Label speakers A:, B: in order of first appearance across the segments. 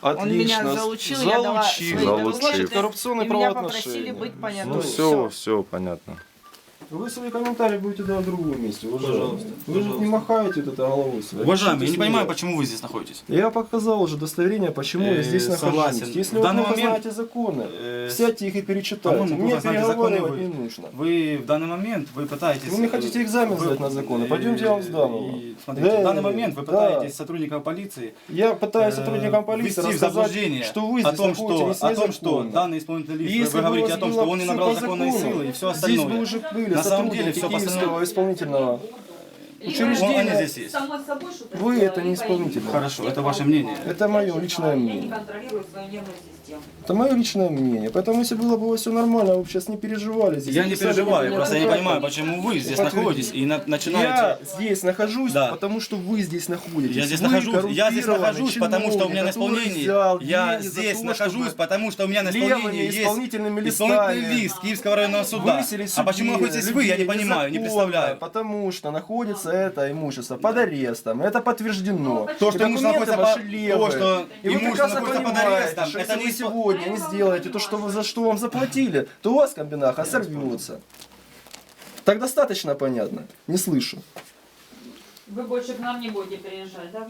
A: Отлично.
B: Он меня залучил, я дала свои
C: Залучил.
B: документы,
A: Коррупционные
B: и меня
A: правоотношения.
B: попросили быть понятым.
C: Ну все, все понятно.
A: Вы свои комментарии будете давать в другом месте, уважаемый.
D: Пожалуйста,
A: Вы же не махаете вот это головой своей.
D: Уважаемый, я не
A: Пишите
D: понимаю,
A: смело.
D: почему вы здесь находитесь.
A: Я показал уже удостоверение, почему я здесь
D: Согласен.
A: нахожусь. Если
D: В
A: вы
D: данный
A: плохо
D: момент,
A: знаете законы,
D: э,
A: сядьте их и перечитайте.
D: по-моему,
A: Мне
D: плохо знаете законы
A: переговаривать
D: вы.
A: не нужно.
D: Вы в данный момент вы пытаетесь...
A: Вы мне хотите экзамен сдать на законы? Пойдемте, я вам сдам его.
D: Смотрите,
A: Да,
D: в данный момент вы
A: да.
D: пытаетесь сотрудникам полиции
A: Я пытаюсь сотрудникам полиции
D: ввести в
A: рассказать,
D: заблуждение
A: что вы
D: о
A: здесь
D: том,
A: находитесь
D: что
A: незаконно.
D: данный исполнительный лиц,
A: Если
D: вы
A: бы у
D: говорите
A: вас
D: о том,
A: было
D: что он не
A: всё
D: набрал
A: по
D: законной
A: закону,
D: силы и все
A: здесь
D: остальное.
A: бы уже были
D: На самом
A: сотрудники
D: деле все
A: Киевского исполнительного
D: они
A: учреждения.
D: здесь есть.
E: Само собой, что-то
A: Вы
E: сделали,
A: это не исполнитель.
D: Хорошо, это ваше мнение.
A: Это мое личное
E: Я не
A: мнение.
E: контролирую свою нервную систему.
A: Это мое личное мнение. Поэтому если было бы у вас все нормально, вы бы сейчас не переживали здесь.
D: Я не
A: Писали бы
D: переживаю,
A: мне
D: просто я не
A: адвоката.
D: понимаю, почему вы здесь
A: Подтвердите.
D: находитесь и
A: Я
D: начинаете...
A: здесь нахожусь,
D: Да.
A: потому что вы здесь находитесь.
D: Я здесь
A: Вы
D: нахожусь,
A: коррумпированный
D: потому что у меня на
A: чиновник, который
D: исполнении.
A: взял
D: Я
A: деньги за
D: здесь
A: то,
D: нахожусь,
A: чтобы
D: потому что у меня на
A: левыми
D: исполнении есть
A: исполнительными
D: исполнительный
A: листами
D: лист Киевского районного суда.
A: высели
D: А почему
A: себе
D: находитесь вы, я не
A: людей
D: понимаю, не
A: незаконно,
D: представляю.
A: Потому что находится это имущество под арестом. Это подтверждено.
D: То,
A: И
D: что имущество
A: документы
D: находится
A: ваши
D: то,
A: левые.
D: что
A: И вы
D: имущество
A: прекрасно
D: находится под
A: понимаете,
D: арестом,
A: что
D: это
A: если
D: не
A: вы
D: испо-
A: сегодня не сделаете то, что, за что вам заплатили, то у вас комбинаха сорвется. Так достаточно понятно? Не слышу.
E: Вы больше к нам не будете переезжать, да?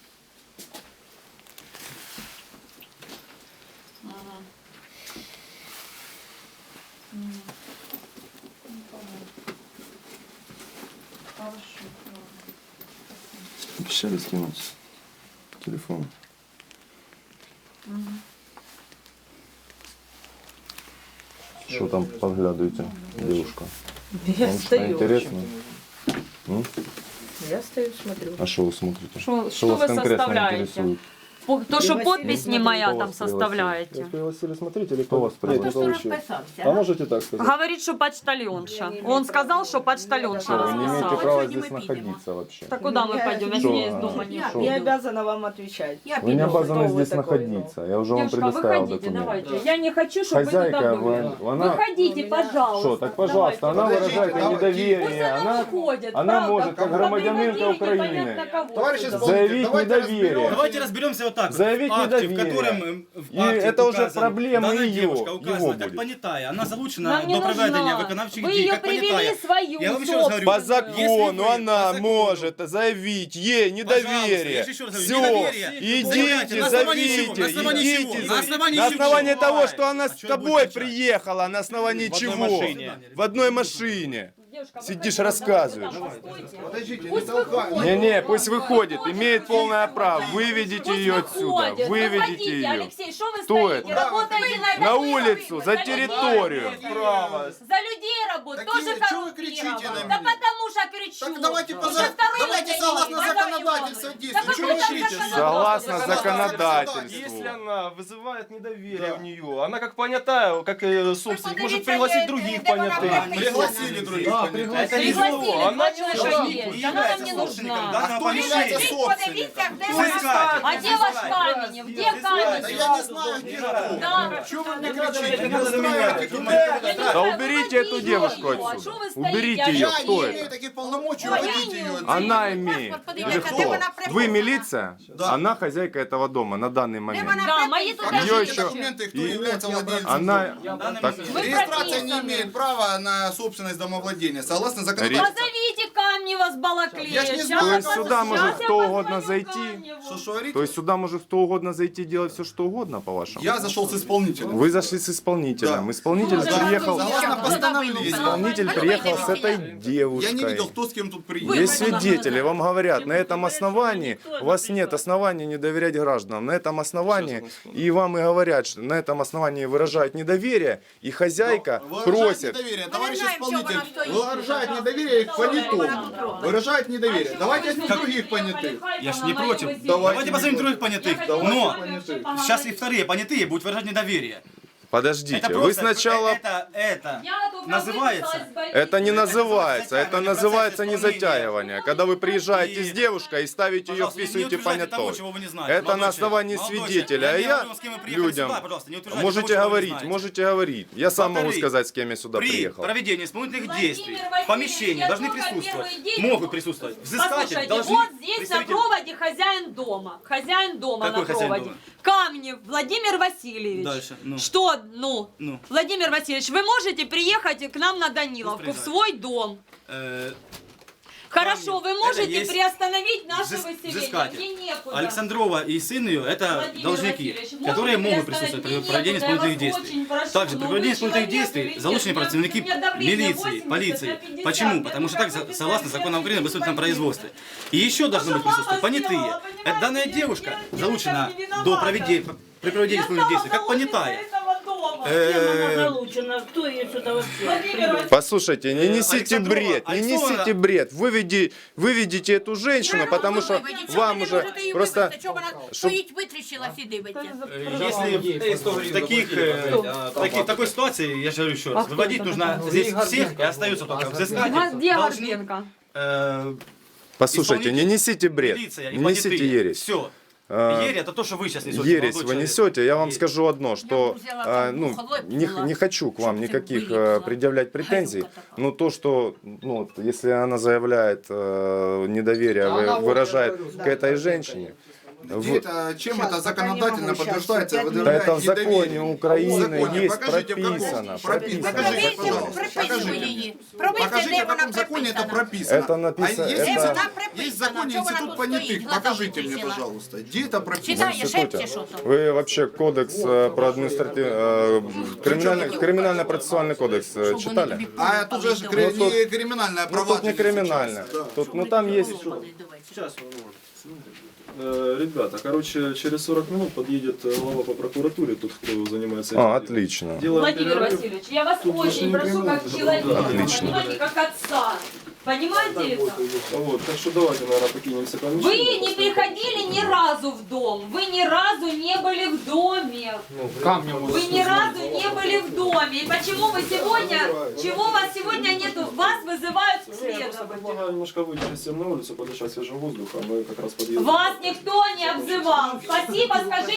E: Ага. Мгм. Ну, понятно. Хорошо, ладно.
A: Обещали скинуть телефон.
C: Что там поглядываете, девушка?
B: Я
C: Вам что
B: стою.
C: интересно? М?
B: Я стою, смотрю.
C: А что вы смотрите?
E: Что
C: вас
E: вы
C: конкретно
E: составляете?
C: интересует?
E: То, что
B: Василий
E: подпись не
B: Смотритель.
E: моя
C: Кто
E: там
C: вас пригласил?
E: составляете.
A: Вас пригласили смотреть или
C: Кто вас пригласил?
A: Кто еще? А можете так сказать?
E: Говорит, что почтальонша. Он сказал, что почтальонша
C: Что, вы не имеете
E: расписала.
C: права
B: Сегодня
C: здесь
B: мы пидем.
C: находиться вообще?
E: Так куда мы пойдем, если
C: Что?
E: я из дома не
B: Я
C: Шо?
B: не
E: выйду?
B: обязана вам отвечать. Я
C: Вы не
B: пойду,
C: обязаны
B: кто вы
C: здесь
B: такой, ну.
C: находиться. Я уже вам
E: Девушка,
C: предоставил
E: выходите,
C: документы.
E: давайте. Я не хочу, чтобы
C: Хозяйка,
E: вы туда были.
C: она...
E: Выходите, пожалуйста.
C: Что, так пожалуйста, она
E: Давайте.
C: выражает
E: Пусть
C: недоверие.
E: она выходит,
C: Она
E: правда,
C: может, как
E: куда
C: громадянинка
E: приводили,
C: Украины,
E: непонятно кого
F: Товарищ
E: сюда.
F: исполнитель,
C: заявить
F: давайте
C: недоверие.
F: разберем.
D: Давайте разберемся вот так.
C: Заявить
D: в акте,
C: недоверие.
D: в котором в
C: И
D: акте
C: это уже
D: указано,
C: проблема
D: данная
C: ее,
D: девушка
C: его
D: указана как
C: будет.
D: понятая. Она залучена
E: Нам не
D: до проведения
E: нужна.
D: виконавчих
E: Вы
D: дій,
E: ее
D: как
E: привели
D: понятая.
E: свою
D: Я вам еще раз говорю,
C: По
E: собственную.
C: закону
D: вы-
C: она
D: по закону.
C: может заявить ей недоверие.
D: я же еще раз говорю,
C: Все,
D: недоверие.
C: идите,
D: На основании
C: зовите,
D: чего? На основании чего?
C: идите.
D: На основании
C: На
D: чего?
C: основании того, что она
D: А
C: с
D: чё вы
C: тобой
D: будете кричать?
C: приехала, на основании
D: В одной
C: чего?
D: машине.
C: В одной машине.
E: Девушка,
C: Сидишь,
E: выходите,
C: рассказываешь.
E: давайте, постойте.
F: Подождите, не
E: Пусть
F: толкай.
E: выходит.
C: Не-не, пусть выходит, имеет полное право. Выведите
E: Пусть
C: ее отсюда,
E: выходит.
C: выведите
E: Выходите,
C: ее.
E: Алексей, что вы
C: Кто
E: стоите?
C: это?
E: Работаете
C: На улицу, за территорию.
A: Право.
E: За людей работать,
F: Такие,
E: тоже
F: чё вы кричите на
E: коррумпированы.
F: меня?
E: Да потому что кричу.
F: Так давайте,
E: Уже
F: пожалуйста,
E: второй
F: давайте
E: раз
F: согласно
E: говорю,
F: законодательству
E: Назар
F: действовать.
E: Иванович.
F: Чё
E: Да
F: вы
E: какое
F: кричите?
E: там
C: Согласно
F: законодательству.
C: законодательству.
A: Если она вызывает недоверие в нее, она как понятая, как собственник, может пригласить других понятых.
F: Пригласили других
A: Да,
F: понятых.
A: пригласили.
E: Пригласили,
A: Она
E: два
A: не
E: человека
A: нужна.
E: есть. Она нам не нужна.
D: данного
F: Кто является
D: помещения.
F: собственником?
E: А где ваш Каменев? Где
F: Да я
E: Каменев?
F: не знаю, где кто.
E: Да.
F: Чё вы мне кричите? Не
D: надо
F: устраивайте
D: меня.
F: меня.
C: Да уберите эту девушку отсюда. Уберите ее.
F: Я
C: Кто
F: не имею
C: это?
F: таких полномочий уводить ее.
C: Она имеет. Или кто? Вы милиция?
F: Да.
C: Она хозяйка этого дома на данный момент.
E: Да, мои тут
F: Покажите
C: Её еще-
F: документы, кто
C: и-
F: является владельцем.
C: Она... Так,
E: Вы
F: Регистрация не
E: прописаны.
F: имеет права на собственность домовладения, согласно законодательству.
E: Позовите Камнева с Балаклея.
F: Я ж не
E: Щас
F: знаю.
C: То
E: я
C: есть
E: позвоню.
C: сюда может
E: Щас я
C: кто
E: позвоню
C: угодно зайти?
E: Камневу.
F: Что говорите?
C: то есть сюда может кто угодно зайти и делать все, что угодно, по-вашему?
F: Я зашел с исполнителем.
C: Вы зашли с исполнителем.
F: Да.
C: Исполнитель приехал...
F: Согласно постановлению.
C: Исполнитель приехал с этой
F: Я не видел,
C: девушкой.
F: кто с кем тут приехал.
C: Есть свидетели, вам говорят, на этом основании у вас нет оснований не доверять гражданам. На этом основании, и вам и говорят, что на этом основании выражают недоверие, и хозяйка
F: Выражает
C: просит.
F: недоверие, товарищ исполнитель. Выражает недоверие к понятому. Выражает недоверие. Давайте других понятых.
D: Я ж не против.
F: Давайте
D: Давайте позовем других понятых.
F: Давайте
D: Но
F: понятых.
D: сейчас и вторые понятые будут выражать недоверие.
C: Подождите,
D: Это
C: вы
D: просто-
C: сначала...
D: Это
E: Я только
D: называется...
E: выписалась с больницы.
C: Это не называется, это
D: затягивание
C: называется
D: процесса
C: не
D: исполнения.
C: затягивание. Когда вы приезжаете с девушкой и ставите ее,
D: Пожалуйста, не
C: вписываете
D: утверждайте того,
C: понятой.
D: чего вы не знаете.
C: Это
D: Молодой
C: на основании
D: человек, молодой
C: свидетеля. А
D: человек.
C: я
D: говорю, с кем вы приехали
C: людям...
D: сюда, пожалуйста, не утверждайте
C: Можете
D: того, чего вы не
C: говорить,
D: знаете.
C: можете говорить. Я сам могу
D: Во-вторых,
C: сказать, с кем я сюда
D: При
C: приехал.
D: проведении исполнительных
E: Владимир
D: действий в
E: Васильевич,
D: помещении
E: я
D: должны
E: только
D: присутствовать,
E: первый день-
D: могут присутствовать взыскатель,
E: Послушайте,
D: должны
E: вот здесь на
D: представитель-
E: проводе хозяин дома. Хозяин дома
D: Какой
E: на
D: хозяин
E: проводе.
D: дома?
E: Тогда мне Владимир Васильевич.
D: Дальше, ну.
E: Что, ну?
D: Ну.
E: Владимир Васильевич, вы можете приехать к нам на Даниловку, в
D: Пусть
E: свой дом?
D: Э,
E: Хорошо, вы
D: это
E: можете
D: есть
E: приостановить наше
D: взыс-
E: выселение?
D: взыскатель.
E: Мне некуда.
D: Александрова и сын ее это
E: Владимир
D: должники,
E: Васильевич,
D: которые
E: можете
D: могут присутствовать при
E: приостановить?
D: проведении
E: Мне некуда,
D: исполнительных
E: я вас
D: действий.
E: очень прошу,
D: Также
E: но
D: при
E: вы
D: проведении исполнительных
E: человек
D: действий
E: или нет?
D: залучены
E: У меня
D: представники
E: давление
D: милиции,
E: 80
D: полиции.
E: на 50.
D: Почему?
E: Я
D: Потому что
E: только
D: так,
E: выписала
D: согласно законам Украины, об
E: экспертный
D: исполнительном производстве. И еще должны
E: что
D: быть присутствовать
E: мама
D: понятые.
E: сделала, понимаете?
D: Данная
E: Я
D: девушка
E: не
D: залучена
E: виновата.
D: до проведения, при проведении исполнительных действий как понятая.
B: Залучена, кто ее сюда вообще?
C: Послушайте, не несите
D: Александрова,
C: бред, не
D: Александрова.
C: несите бред. Выведите эту женщину, потому что вам уже просто...
G: Стоїть, витріщилась і дивиться.
D: Если в такой ситуации, я же говорю еще раз, выводить нужно здесь всех и остается только взыскатель.
E: Где
D: должник,
E: Горбенко?
C: Послушайте, не несите бред,
D: милиция и
C: не несите
D: понятые.
C: ересь.
D: Все.
C: А,
D: Ересь это то, что вы сейчас несете.
C: Ересь
D: молодой
C: вы
D: человек.
C: несете, я вам
D: Ересь.
C: скажу одно, что
G: взяла там
C: ну,
G: холодь
C: не,
G: была,
C: не хочу к вам
G: чтоб ты
C: никаких
G: вылезла.
C: предъявлять претензий,
G: Гадюка такая.
C: но то, что ну, вот, если она заявляет недоверие, выражает к этой женщине,
F: Где-то, чем это законодательно подтверждается?
C: да
F: выдвигает
C: это в законе
F: недоверие? В
C: Украины
F: законе.
C: есть
F: Покажите, в каком?
C: прописано.
F: Покажите,
G: Провірте,
F: пожалуйста.
G: прописуй її. Провірте,
F: Покажите,
G: де
F: в
G: вона
F: каком законе это
G: прописана.
F: прописано.
C: Это написано-
F: А есть,
C: это-
F: институт-
G: Вона прописана.
F: есть в законе
G: Чого вона
F: институт
G: тут стоїть?
F: понятых.
G: Глаза
F: Покажите мне,
G: витріщила.
F: пожалуйста, где это прописано?
G: Читає,
C: Институте.
G: шепче, що то.
C: Вы вообще кодекс про криминально-процессуальный кодекс читали?
F: А тут же
C: Ну,
F: не криминальное
C: Ну тут не криминально. Тут, ну там есть...
A: Сейчас, ребята, короче, через 40 минут подъедет глава по прокуратуре, тот, кто занимается этим.
C: Отлично.
A: Делаем
E: Владимир
A: перерыв.
E: Васильевич, я вас
A: Тут
E: очень
A: больше
E: прошу
A: не
E: как
A: криминально.
E: человека,
C: Отлично.
E: понимаете, как отца. Понимаете это?
A: Вот, так что давайте, наверное, покинемся
E: Вы
A: помещение.
E: не приходили ни разу в дом, вы ни разу не были в доме. Вы ни разу не были в доме. И почему вы сегодня, чего вас сегодня нету? Вас вызывают к следователю.
A: Предлагаю немножко выйти всем на улицу, подышать свежим воздухом, мы как раз подъедем.
E: Вас никто не обзывал. Спасибо, скажите.